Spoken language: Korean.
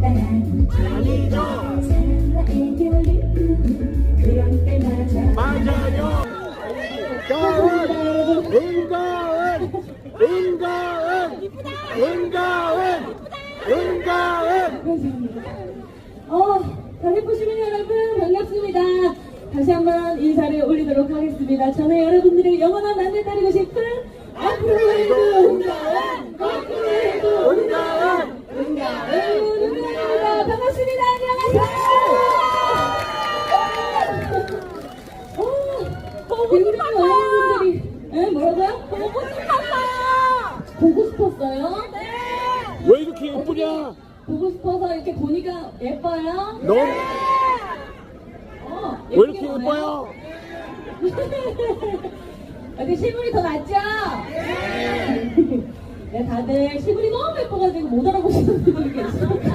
아니죠. 맞아요. 은가은, 은가은, 은가은, 은가은. 잘해보시는 여러분 반갑습니다. 다시 한번 인사를 올리도록 하겠습니다. 저는 여러분들의 영원한 만남 따르고 싶은 앞으로 해도 은가은, 거꾸로 해도 은가은, 은가은입니다. 반갑습니다. 안녕하세요. 굉장히 많은 분들이 뭐라고요? 보고 싶었어요. 보고 싶었어요? 네. 왜 이렇게 예쁘냐? 보고 싶어서 이렇게 보니까 예뻐요? 너 왜 예쁘게 이렇게 보나요? 예뻐요? 어디 실물이 더 낫죠? 네, 다들 실물이 너무 예뻐가지고 못 알아보시는 분들이 계시죠?